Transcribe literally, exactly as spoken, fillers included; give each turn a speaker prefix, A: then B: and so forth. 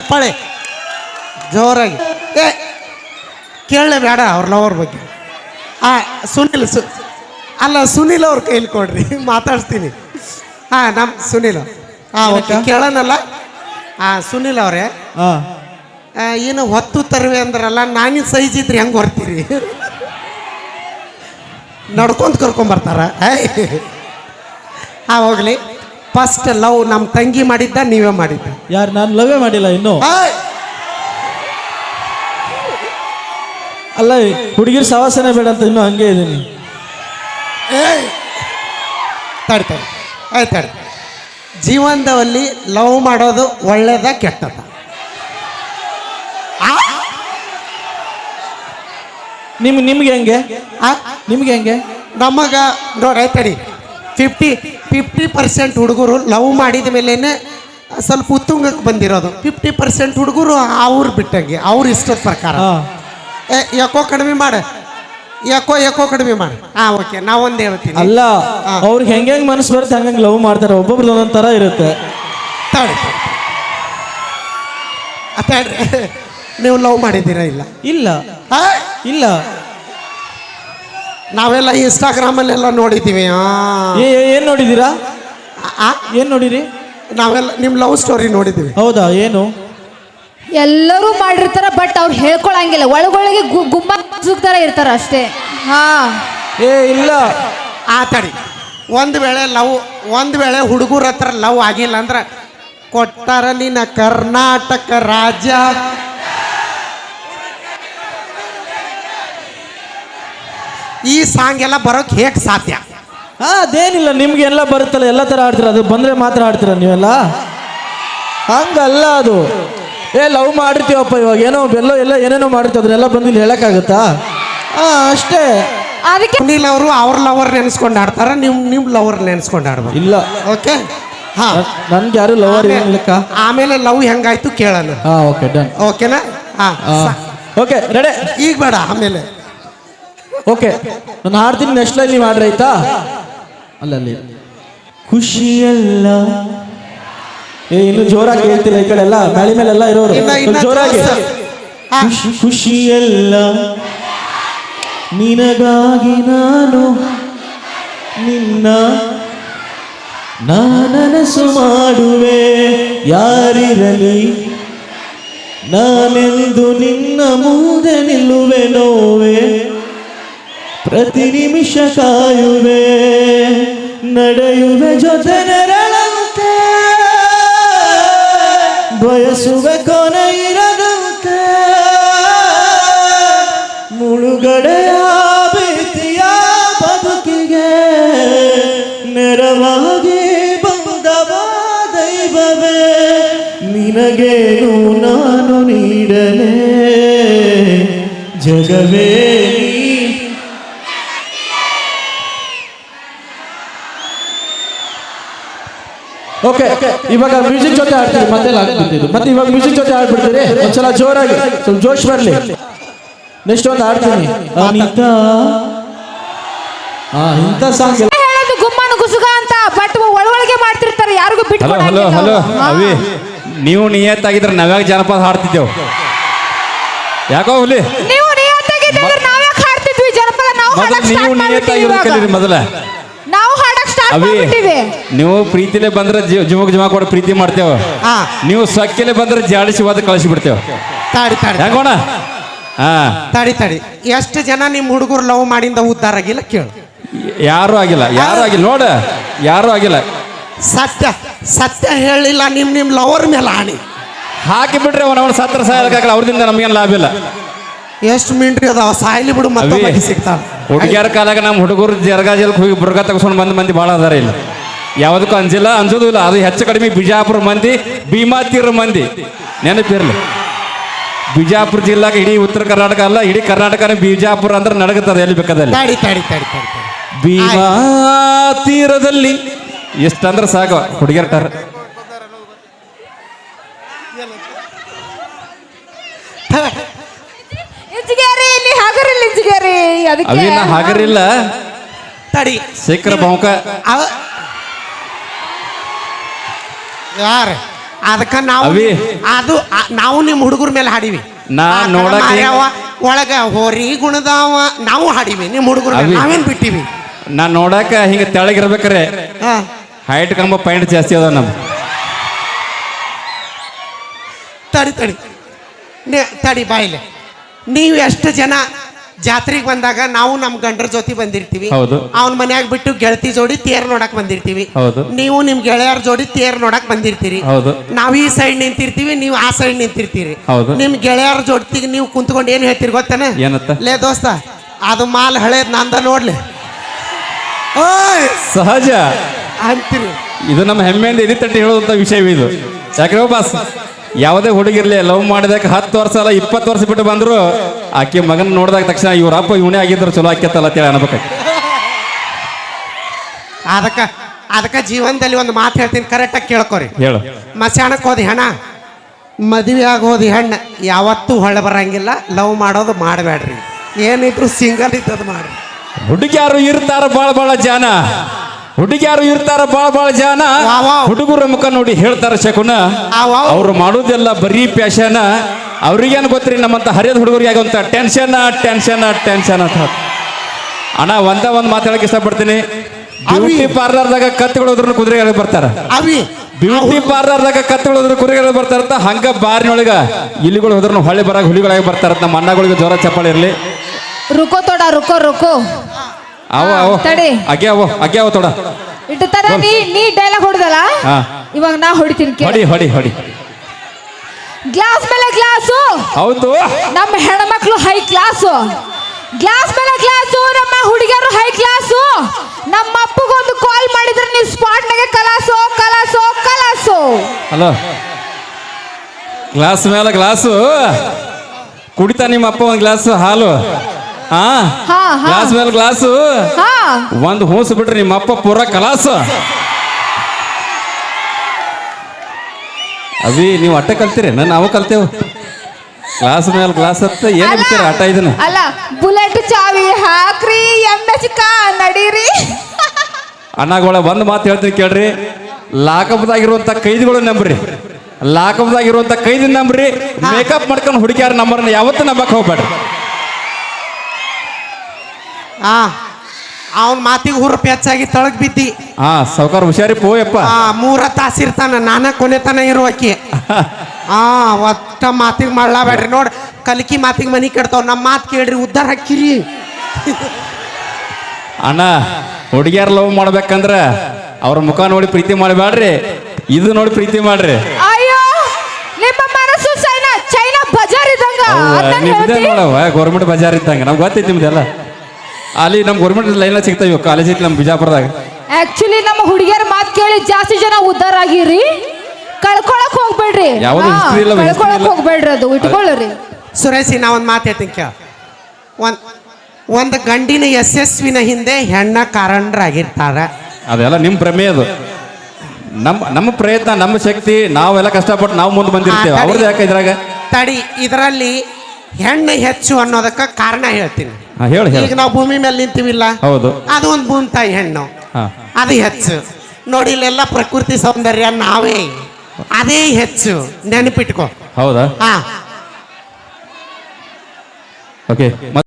A: ಚಪ್ಪಾಳೆ ಜೋರಾಗಿ. ಏ ಕೇಳಲೇ ಬೇಡ ಅವ್ರ ಲವರ್ ಬಗ್ಗೆ. ಆ ಸುನಿಲ್ ಸು ಅಲ್ಲ ಸುನಿಲ್ ಅವ್ರ ಕೈಲಿ ಕೊಡ್ರಿ, ಮಾತಾಡ್ತೀನಿ. ಹಾಂ ನಮ್ಮ ಸುನಿಲ್. ಹಾಂ ಓಕೆ ಕೇಳೋಣಲ್ಲ. ಹಾಂ ಸುನಿಲ್ ಅವರೇ, ಏನು ಹೊತ್ತು ತರುವೆ ಅಂದ್ರಲ್ಲ, ನಾನಿನ ಸೈಜ್ ಇದ್ರಿ ಹೆಂಗೆ ಹೊರ್ತೀರಿ? ನಡ್ಕೊಂತ ಕರ್ಕೊಂಬರ್ತಾರ. ಹಾಂ ಹೋಗ್ಲಿ. ಫಸ್ಟ್ ಲವ್ ನಮ್ಮ ತಂಗಿ ಮಾಡಿದ್ದ ನೀವೇ ಮಾಡಿದ್ದ?
B: ಯಾರು? ನಾನು ಲವೇ ಮಾಡಿಲ್ಲ ಇನ್ನು. ಅಲ್ಲ ಹುಡುಗಿರ್ ಸವಾಸನೆ ಬೇಡ ಅಂತ ಇನ್ನೂ ಹಂಗೆ ಇದೀನಿ.
A: ಏಯ್ ತಡಿ ತಡಿ ಆಯ್ತು ತಡಿ. ಜೀವನದಲ್ಲಿ ಲವ್ ಮಾಡೋದು ಒಳ್ಳೇದ ಕೆಟ್ಟದ?
B: ನಿಮ್ ನಿಮ್ಗೆ ಹೆಂಗೆ? ನಿಮ್ಗೆ ಹೆಂಗೆ?
A: ನಮಗ ನೋಡಿ ತಡಿ, ಫಿಫ್ಟಿ ಫಿಫ್ಟಿ ಪರ್ಸೆಂಟ್ ಹುಡುಗರು ಲವ್ ಮಾಡಿದ ಮೇಲೇನೆ ಸ್ವಲ್ಪ ಉತ್ತುಂಗಕ್ಕೆ ಬಂದಿರೋದು. ಫಿಫ್ಟಿ ಪರ್ಸೆಂಟ್ ಹುಡುಗರು ಅವ್ರು ಬಿಟ್ಟಂಗೆ ಅವ್ರ ಇಷ್ಟದ ಪ್ರಕಾರ. ಏ ಯಾಕೋ ಕಡಿಮೆ ಮಾಡ, ಯಾಕೋ ಯಾಕೋ ಕಡಿಮೆ ಮಾಡ. ಹಾಂ ಓಕೆ, ನಾವೊಂದು ಹೇಳ್ತೀನಿ.
B: ಅಲ್ಲ ಅವ್ರಿಗೆ ಹೆಂಗೆ ಹೆಂಗೆ ಮನಸ್ಸು ಬರುತ್ತೆ ಹಂಗಂಗೆ ಲವ್ ಮಾಡ್ತಾರೆ. ಒಬ್ಬೊಬ್ರದ್ದು ಒಂದೊಂದು ಥರ ಇರುತ್ತೆ.
A: ತಡಿ ತಡ್ರಿ, ನೀವು ಲವ್ ಮಾಡಿದ್ದೀರಾ? ಇಲ್ಲ
B: ಇಲ್ಲ ಇಲ್ಲ,
A: ನಾವೆಲ್ಲ ಇನ್ಸ್ಟಾಗ್ರಾಮಲ್ಲೆಲ್ಲ ನೋಡಿದ್ದೀವಿ.
B: ಏನು ನೋಡಿದ್ದೀರಾ? ಏನು ನೋಡಿರಿ?
A: ನಾವೆಲ್ಲ ನಿಮ್ಮ ಲವ್ ಸ್ಟೋರಿ ನೋಡಿದ್ದೀವಿ.
B: ಹೌದಾ? ಏನು?
C: ಎಲ್ಲರೂ ಮಾಡಿರ್ತಾರ, ಬಟ್ ಅವ್ರು ಹೇಳ್ಕೊಳಂಗಿಲ್ಲ. ಒಳಗೊಳಗೆ ಗುಮ್ಮ ಸುಗ್ತಾರ ಇರ್ತಾರ ಅಷ್ಟೇ. ಹಾ
B: ಏ ಇಲ್ಲ.
A: ಆ ತಡಿ, ಒಂದು ವೇಳೆ ಲವ್ ಒಂದು ವೇಳೆ ಹುಡುಗರ ಹತ್ರ ಲವ್ ಆಗಿಲ್ಲ ಅಂದ್ರೆ ಕೊಟ್ಟಾರ ನಿನ್ನ ಕರ್ನಾಟಕ ರಾಜ್ಯ. ಈ ಸಾಂಗ್ ಎಲ್ಲ ಬರೋಕೆ ಹೇಗೆ ಸಾಧ್ಯ?
B: ಹಾ ಅದೇನಿಲ್ಲ, ನಿಮ್ಗೆ ಎಲ್ಲ ಬರುತ್ತಲ್ಲ, ಎಲ್ಲ ಥರ ಆಡ್ತೀರ. ಅದು ಬಂದರೆ ಮಾತ್ರ ಆಡ್ತೀರ ನೀವೆಲ್ಲ, ಹಂಗಲ್ಲ ಅದು. ಏ ಲವ್ ಮಾಡಿರ್ತೀವಪ್ಪ, ಇವಾಗ ಏನೋ ಬೆಲ್ಲೋ ಎಲ್ಲ ಏನೇನೋ ಮಾಡಿರ್ತೀವಿ, ಅದನ್ನೆಲ್ಲ ಬಂದು ಇಲ್ಲಿ ಹೇಳೋಕ್ಕಾಗುತ್ತಾ? ಹಾಂ ಅಷ್ಟೇ.
C: ಅದಕ್ಕೆ
A: ಸುನೀಲ್ ಅವರು ಅವ್ರ ಲವರ್ ನೆನೆಸ್ಕೊಂಡು ಆಡ್ತಾರ, ನಿಮ್ಮ ನಿಮ್ಮ ಲವರ್ ನೆನೆಸ್ಕೊಂಡು ಆಡ್ಬೋದು.
B: ಇಲ್ಲ
A: ಓಕೆ. ಹಾಂ
B: ನನ್ಗೆ ಯಾರು ಲವರ್ ಏನಿಲ್ಲಕ್ಕ.
A: ಆಮೇಲೆ ಲವ್ ಹೆಂಗಾಯ್ತು ಕೇಳೋಣ.
B: ಹಾಂ ಓಕೆ ಡನ್.
A: ಓಕೆನಾ? ಹಾಂ
B: ಓಕೆ ರೆಡಿ.
A: ಈಗ ಬೇಡ, ಆಮೇಲೆ.
B: ಓಕೆ ನಾನು ಹಾಡ್ತೀನಿ, ನೆಕ್ಸ್ಟ್ ಲೈನ್ ನೀವು ಆಡ್ರಿ ಆಯ್ತಾ? ಅಲ್ಲಲ್ಲಿ ಖುಷಿಯಲ್ಲ. ಏ ಇನ್ನು ಜೋರಾಗಿ ಹೇಳ್ತಿಲ್ಲ, ಈ ಕಡೆ ಎಲ್ಲ ಮ್ಯಾಳಿ ಮೇಲೆಲ್ಲ ಇರೋರು ಜೋರಾಗಿ. ಖುಷಿಯಲ್ಲ ನಿನಗಾಗಿ ನಾನು ನಿನ್ನ ನಾನನಸು ಮಾಡುವೆ, ಯಾರಿರಲಿ ನಾನೆಂದು ನಿನ್ನ ಮುಂದೆ ನಿಲ್ಲುವೆ, ನೋವೆ ಪ್ರತಿ ನಿಮಿಷ ಕಾಯುವೆ, ನಡೆಯುವೆ ಜೊತೆ ನೆರಳಂತೆ, ಬಯಸುವೆ ಕೊನೆ ಇರದಂತೆ, ಮುಳುಗಡೆಯ ಭೀತಿಯ ಬದುಕಿಗೆ ನೆರವಾಗಿ ಬಂದವ ದೈವವೇ, ನಿನಗೇನು ನಾನು ನೀಡಲೇ ಜಗವೇ. ಓಕೆ ಇವಾಗ ಮ್ಯೂಸಿಕ್ ಜೊತೆ ಆಡ್ತೀವಿ, ಮತ್ತೆ ಆಗ್ಬಿಡ್ತಿದ್ದು ಮತ್ತೆ ಇವಾಗ ಮ್ಯೂಸಿಕ್ ಜೊತೆ ಆಡ್ಬಿಡ್ತೀರಿ. ಒಂದ್ಸಲ ಜೋರಾಗಿ ಸ್ವಲ್ಪ ಜೋಶ್ ಬರ್ಲಿ. ನೆಕ್ಸ್ಟ್ ಒಂದು ಆಡ್ತೀನಿ ಅನಿತಾ. ಹಾ ಇಂಥ ಸಾಂಗ್
C: ಹೇಳೋದು ಗುಮ್ಮನ ಗುಸುಗ ಅಂತ, ಬಟ್ ಒಳಗೊಳಗೆ ಮಾಡ್ತಿರ್ತಾರೆ, ಯಾರಿಗೂ ಬಿಟ್ಟು.
D: ಹಲೋ ಹಲೋ ಅವಿ, ನೀವು ನಿಯತ್ತಾಗಿದ್ರೆ ನಾವ್ಯಾಗ ಜನಪದ ಹಾಡ್ತಿದ್ದೇವು? ಯಾಕೋ ಹುಲಿ,
C: ನೀವು ನಿಯತ್ತಾಗಿದ್ರೆ ನಾವ್ಯಾಕೆ ಹಾಡ್ತಿದ್ವಿ ಜನಪದ? ನಾವು
D: ನೀವು ನಿಯತ್ತಾಗಿರ್ಬೇಕಲ್ರಿ ಮೊದಲ.
C: ನಾವು ಹಾಡಕ್ ಸ್ಟಾರ್ಟ್ ಮಾಡ್ಬಿಟ್ಟಿವಿ.
D: ನೀವು ಪ್ರೀತಿಲೇ ಬಂದ್ರೆ ಜುಮಕ್ ಜುಮಾ ಕೊಡ ಪ್ರೀತಿ ಮಾಡ್ತೇವ, ನೀವು ಸೊಕ್ಕಿಲೆ ಬಂದ್ರೆ ಜಾಡಿಸಿ ಹೋದ ಕಳಿಸಿ ಬಿಡ್ತೇವ.
A: ತಾಡಿ ತಾಡಿ
D: ಹೆಂಗೋಣ? ಹಾ
A: ತಾಡಿ ತಾಡಿ. ಎಷ್ಟು ಜನ ನಿಮ್ಮ ಹುಡುಗರು ಲವ್ ಮಾಡಿಂದ ಉದ್ದಾರ ಆಗಿಲ್ಲ ಕೇಳು?
D: ಯಾರು ಆಗಿಲ್ಲ, ಯಾರು ಆಗಿಲ್ಲ ನೋಡ, ಯಾರು ಆಗಿಲ್ಲ.
A: ಸತ್ಯ ಸತ್ಯ ಹೇಳಿಲ್ಲ, ನಿಮ್ ನಿಮ್ ಲವರ್ ಮೇಲೆ ಹಾನಿ
D: ಹಾಕಿ ಬಿಟ್ರೆ ಅವನ ಸತ್ರ ಸಾಯಲ್ಲ, ಅವ್ರದಿಂದ ನಮಗೇನು ಲಾಭ ಇಲ್ಲ.
A: ಎಷ್ಟು ಮಿಂಟ್ರಿ ಅದಾವ, ಸಾಯ್ಲಿ ಬಿಡು, ಮತ್ತೆ ಸಿಗ್ತಾವ.
D: ಹುಡುಗಿಯರ ಕಾಲಾಗ ನಮ್ಮ ಹುಡುಗರು ಜರ್ಗಾಜಲ್ಕ್ ಹೋಗಿ ಬುರ್ಗ ತಗೊಂಡು ಬಂದ ಮಂದಿ ಭಾಳ ಅದಾರ ಇಲ್ಲ. ಯಾವುದಕ್ಕೂ ಅಂಜಿಲ್ಲ, ಅಂಜೋದು ಇಲ್ಲ. ಅದು ಹೆಚ್ಚು ಕಡಿಮೆ ಬಿಜಾಪುರ ಮಂದಿ, ಭೀಮಾತೀರ ಮಂದಿ ನೆನಪಿರ್ಲಿ. ಬಿಜಾಪುರ ಜಿಲ್ಲಾಗ ಇಡೀ ಉತ್ತರ ಕರ್ನಾಟಕ ಅಲ್ಲ, ಇಡೀ ಕರ್ನಾಟಕನೇ ಬಿಜಾಪುರ ಅಂದ್ರೆ ನಡಗುತ್ತದೆ ಎಲ್ಲಿ ಬೇಕಾದಲ್ಲಿ.
A: ತಾಡಿ ತಾಡಿ ತಾಡಿ ತಾಡಿ
D: ಭೀಮಾ ತೀರದಲ್ಲಿ ಎಷ್ಟಂದ್ರೆ ಸಾಕು ಹುಡುಗಿಯರ ಟರ್. ಅವಿನ ಹಾಗರಿಲ್ಲ
A: ತಡಿ
D: ಶೇಖರ ಬಾವುಕ
A: ಯಾರ ಅದಕ್ಕ ನಾವು
D: ಅವಿ.
A: ಅದು ಆ- ನಾವು ನಿಮ್ಮ ಹುಡುಗರ ಮೇಲೆ ಹಾಡಿವಿ
D: ನಾ
A: ಆ ಕಡೆ
D: ನೋಡಕ್ಕೆ-
A: ಮಾರ್ಯಾವ, ಒಳಗ ಹೋರಿ ಗುಣದಾವ ನಾವು ಹಾಡಿವಿ ನಿಮ್ಮ ಹುಡುಗರ ಮೇಲೆ
D: ಅವಿ.
A: ನಾವೇನ್ ಬಿಟ್ಟಿವಿ.
D: ನಾ ನೋಡಾಕ ಹಿಂಗ ತೆಳಗಿರ್ಬೇಕ್ರೆ
A: ಹಾ
D: ಹೈಟ್ ಕಂಬ ಪಾಯಿಂಟ್ ಜಾಸ್ತಿ ಅದ ನಮ್
A: ತಡಿ ತಡಿ ನೇ- ತಡಿ ಬಾಯಿಲೆ. ನೀವು ಎಷ್ಟು ಜನ ಜಾತ್ರೆಗೆ ಬಂದಾಗ ನಾವು ನಮ್ಮ ಗಂಡರ ಜೊತೆ ಬಂದಿರ್ತೀವಿ.
D: ಹೌದು.
A: ಅವನ ಮನ್ಯಾಗ ಬಿಟ್ಟು ಗೆಳತಿ ಜೋಡಿ ತೇರ್ ನೋಡಕ್ ಬಂದಿರ್ತೀವಿ.
D: ಹೌದು.
A: ನೀವು ನಿಮ್ ಗೆಳೆಯರ ಜೋಡಿ ತೇರ್ ನೋಡಕ್ ಬಂದಿರ್ತೀರಿ.
D: ಹೌದು.
A: ನಾವ್ ಈ ಸೈಡ್ ನಿಂತಿರ್ತೀವಿ, ನೀವು ಆ ಸೈಡ್ ನಿಂತಿರ್ತೀರಿ.
D: ಹೌದು.
A: ನಿಮ್ ಗೆಳೆಯರ ಜೊತೆಗೆ ನೀವು ಕುಂತ್ಕೊಂಡು ಏನ್ ಹೇಳ್ತೀರಿ ಗೊತ್ತಾನೆ?
D: ಏನತ್ತ?
A: ಲೇ ದೋಸ್ತ ಅದು ಮಾಲ್ ಹಳೇದ್ ನಂದ ನೋಡ್ಲಿ ಓಯ್
D: ಸಹಜ
A: ಅಂತೀರಿ.
D: ಇದು ನಮ್ಮ ಹೆಮ್ಮೆಯಿಂದ ಎದಿ ತಟ್ಟಿ ಹೇಳುವಂತ ವಿಷಯ ಇದು. ಯಾಕೆ ಬಾಸ್ ಯಾವುದೇ ಹುಡುಗಿರ್ಲಿ ಲವ್ ಮಾಡಿದಾಗ ಹತ್ತು ವರ್ಷ ಅಲ್ಲ ಇಪ್ಪತ್ತು ವರ್ಷ ಬಿಟ್ಟು ಬಂದ್ರು ಆಕೆ ಮಗನ ನೋಡಿದಾಗ ತಕ್ಷಣ ಇವ್ರ ಅಪ್ಪ ಇವನೇ ಆಗಿದ್ರು ಚಲೋ ಆಕ್ಯತ್ತಲ್ಲ ಅಂತೇಳಿ ಅನ್ಬೇಕಾಗಿ.
A: ಅದಕ್ಕ ಅದಕ್ಕ ಜೀವನದಲ್ಲಿ ಒಂದು ಮಾತು ಹೇಳ್ತೀನಿ, ಕರೆಕ್ಟಾಗಿ ಕೇಳ್ಕೊರಿ.
D: ಹೇಳು.
A: ಮಸಾಣಕ್ಕೆ ಹೋದಿ ಹೆಣ, ಮದುವೆ ಆಗೋದಿ ಹೆಣ್ಣು ಯಾವತ್ತೂ ಹೊಳೆ ಬರಂಗಿಲ್ಲ. ಲವ್ ಮಾಡೋದು ಮಾಡಬೇಡ್ರಿ, ಏನಿದ್ರು ಸಿಂಗಲ್ ಇದ್ದದು ಮಾಡ್ರಿ.
D: ಹುಡುಗಿಯಾರು ಇರ್ತಾರ ಬಾಳ ಬಾಳ ಜಾನ, ಹುಡುಗಿಯಾರು ಇರ್ತಾರ ಬಾಳ ಬಾಳ ಜಾನ,
A: ವಾವ್ ವಾವ್.
D: ಹುಡುಗರ ಮುಖ ನೋಡಿ ಹೇಳ್ತಾರ ಶಕುನ,
A: ಆ ವಾವ್.
D: ಅವ್ರು ಮಾಡೋದೆಲ್ಲ ಬರೀ ಪ್ಯಾಶನ. ಅವ್ರಿಗೇನು ಗೊತ್ತ್ರಿ ನಮ್ಮಂತ ಹರಿಯದ ಹುಡುಗರಿಗೆ ಆಗುವಂತ ಟೆನ್ಷನ್ ಟೆನ್ಷನ್ ಟೆನ್ಷನ್ ಅಂತ. ಅಣ್ಣ ಒಂದ ಒಂದ್ ಮಾತಾಡಕ್ ಇಷ್ಟಪಡ್ತೀನಿ. ಬ್ಯೂಟಿ ಪಾರ್ಲರ್ದಾಗ ಕತ್ಕೊಳ್ಳೋದ್ರ ಕುದುರೆಗಳು ಬರ್ತಾರ,
A: ಅವಿ
D: ಬ್ಯೂಟಿ ಪಾರ್ಲರ್ದಾಗ ಕತ್ಕೊಳ್ಳೋದ್ರ ಕುದುರೆಗಳು ಬರ್ತಾರಂತ. ಹಂಗ ಬಾರಿನೊಳಗ ಇಲಿಗಳು ಹೋದ್ರ ಹೊಳೆ ಬರಾಗ ಹುಲಿಗಳಾಗಿ ಬರ್ತಾರಂತ. ನಮ್ಮ ಅಣ್ಣಗಳಿಗೆ ಜ್ವರ ಚಪ್ಪಾಳೆ ಇರ್ಲಿ.
C: ರುಕೋ ತೋಡ ರುಕೋ ರುಕೋ
D: ಅವ ಅವ
C: ತಡಿ.
D: ಅಗ್ಯಾವ ಅಗ್ಯಾವ ತೊಡ
C: ಇಟ್ಟು ತರ ನೀ ನೀ ಡೈಲಾಗ್ ಹೊಡೆದಲ್ಲ,
D: ಹಾ.
C: ಇವಾಗ ನಾ ಹೊಡಿತೀನಿ ಕೇಳು.
D: ಹೊಡಿ ಹೊಡಿ ಹೊಡಿ.
C: ಗ್ಲಾಸ್ ಮೇಲೆ ಗ್ಲಾಸು,
D: ಹೌದು.
C: ನಮ್ಮ ಹೆಣ್ಮಕ್ಳು ಹೈ ಕ್ಲಾಸು. ಗ್ಲಾಸ್ ಮೇಲೆ ಗ್ಲಾಸು, ನಮ್ಮ ಹುಡುಗಿಯರು ಹೈ ಕ್ಲಾಸು. ನಮ್ಮ ಅಪ್ಪಗೊಂದು ಕಾಲ್ ಮಾಡಿದ್ರೆ ನೀವು ಸ್ಪಾಟ್ನಾಗೆ ಕಲಾಸು ಕಲಾಸು ಕಲಾಸು.
D: ಹಲೋ, ಗ್ಲಾಸ್ ಮೇಲೆ ಗ್ಲಾಸು ಕುಡಿತಾ ನಿಮ್ಮ ಅಪ್ಪ ಒಂದ್ ಗ್ಲಾಸ್ ಹಾಲು. ಹಾ,
C: ಹಾ, ಹಾ.
D: ಗ್ಲಾಸ್ ಮೇಲೆ ಗ್ಲಾಸು
C: ಹಾ
D: ಒಂದು ಹೂಸು ಬಿಟ್ರಿ ನಿಮ್ಮ ಅಪ್ಪ ಪೂರ ಕಲಾಸು. ಅವಿ ನೀವು ಅಟ್ಟ ಕಲ್ತೀರಿ, ನಾವು ಕಲ್ತೇವು. ಗ್ಲಾಸ್ ಮೇಲೆ ಗ್ಲಾಸ್ ಹತ್ತ ಏನ್
C: ಅಲ್ಲ,
D: ಬಿಡ್ತೀರ ಆಟ ಇದನ್ನ?
C: ಅಲ್ಲ ಬುಲೆಟ್ ಚಾವಿ ಹಾಕ್ರಿ ಎಮ್ ಎಚ್ ಕಾ ನಡೀರಿ.
D: ಅಣ್ಣಗಳ ಒಂದು ಮಾತು ಹೇಳ್ತೀನಿ ಕೇಳ್ರಿ. ಲಾಕಪ್ದಾಗಿರುವಂತ ಕೈದಿಗಳು ನಂಬ್ರಿ, ಲಾಕಪ್ದಾಗಿರುವಂತ ಕೈದಿ ನಂಬ್ರಿ. ಮೇಕಪ್ ಮಾಡ್ಕೊಂಡು ಹುಡುಗಿಯಾರ ನಂಬರ್ನ ಯಾವತ್ತೂ ನಂಬಕ್ ಹೋಗ್ಬೇಡ್ರಿ.
A: ಆ ಅವನ ಮಾತಿಗೆ ಹುರುಪು ಹೆಚ್ಚಾಗಿ ತಳಗ್ ಬಿದ್ದಿ.
D: ಹಾ ಸಾವ್ಕಾರ ಹುಷಾರಿ ಪೋಯಪ್ಪ.
A: ಆ ಮೂರ ತಾಸಿರ್ತಾನ, ನಾನ ಕೊನೆತನ ಇರುವಕಿ. ಆ ಒಟ್ಟ ಮಾತಿಗೆ ಮಾಡ್ಲಾಬೇಡ್ರಿ. ನೋಡ್ ಕಲಿಕಿ ಮಾತಿಗೆ ಮನಿ ಕೆಡ್ತಾವ್. ನಮ್ಮ ಮಾತು ಕೇಳ್ರಿ, ಉದ್ದಾರ ಹಾಕಿರಿ.
D: ಅಣ್ಣ ಹುಡುಗಿಯಾರ ಲವ್ ಮಾಡ್ಬೇಕಂದ್ರ ಅವ್ರ ಮುಖ ನೋಡಿ ಪ್ರೀತಿ ಮಾಡಬೇಡ್ರಿ, ಇದು ನೋಡಿ ಪ್ರೀತಿ ಮಾಡ್ರಿ.
C: ಅಯ್ಯೋ ನಿಮ್ಮ ಮನಸ್ಸು ಚೈನಾ ಚೈನಾ ಬಜಾರ್ ಇದ್ದಂಗ ಅದ್ನ
D: ನಿಮ್ದೇ
C: ಹೇಳ್ತಿ?
D: ನೋಡವ ಗೌರ್ಮೆಂಟ್ ಬಜಾರ್ ಇದ್ದಂಗ. ನಮ್ಗೆ ಗೊತ್ತೈತಿ ನಿಮ್ದೆಲ್ಲ. ಅಲ್ಲಿ ನಮ್ ಗೌರ್ಮೆಂಟ್ ಲೈನ್ ಸಿಗ್ತಾವ, ಕಾಲೇಜ್ ಐತಿ ನಮ್ಮ ಬಿಜಾಪುರದಾಗ.
C: ಆಕ್ಚುಲಿ ನಮ್ಮ ಹುಡುಗಿಯರ ಮಾತು ಕೇಳಿ ಜಾಸ್ತಿ ಜನ ಉದ್ದಾರ ಆಗಿರಿ. ಕಳ್ಕೊಳಕ್ ಹೋಗ್ಬೇಡ್ರಿ.
D: ಯಾವ್ದು
C: ಹಾ,
D: history ಇಲ್ಲ, history
C: ಕಳ್ಕೊಳಕ್
D: ಇಲ್ಲ.
C: ಹೋಗ್ಬೇಡ್ರಿ, ಅದು ಇಟ್ಕೊಳ್ಳ್ರಿ.
A: ಸುರೇಶಿ ನಾ ಒಂದು ಮಾತು ಹೇಳ್ತೀನಿ ಕೇಳ. ಒಂದ್ ಒಂದು ಗಂಡಿನ ಯಶಸ್ವಿನ ಹಿಂದೆ ಹೆಣ್ಣ ಕಾರಣರಾಗಿರ್ತಾರ.
D: ಅದೆಲ್ಲ ನಿಮ್ಮ ಭ್ರಮೆ ಅದು. ನಮ್ಮ ನಮ್ಮ ಪ್ರಯತ್ನ, ನಮ್ಮ ಶಕ್ತಿ, ನಾವೆಲ್ಲ ಕಷ್ಟಪಟ್ಟು ನಾವು ಮುಂದೆ ಬಂದಿರ್ತೇವೆ.
A: ಆ, ತಡಿ.
D: ಅವ್ರದ್ದು ಯಾಕೆ ಇದ್ರಾಗ?
A: ತಡಿ, ಇದರಲ್ಲಿ ಹೆಣ್ಣು ಹೆಚ್ಚು ಅನ್ನೋದಕ್ಕ ಕಾರಣ ಹೇಳ್ತೀನಿ.
D: ಹಾ, ಹೇಳು
A: ಈಗ
D: ಹೇಳು.
A: ನಾವು ಭೂಮಿ ಮೇಲೆ ನಿಂತೀವಿಲ್ಲ,
D: ಹೌದು.
A: ಅದು ಒಂದು ಭೂಮಿ ತಾಯಿ ಹೆಣ್ಣು,
D: ಹಾ.
A: ಅದು ಹೆಚ್ಚು. ನೋಡಿ ಇಲ್ಲೆಲ್ಲ ಪ್ರಕೃತಿ ಸೌಂದರ್ಯ ನಾವೇ, ಅದೇ ಹೆಚ್ಚು. ನೆನಪಿಟ್ಕೋ.
D: ಹೌದಾ?
A: ಹಾ
D: ಓಕೆ.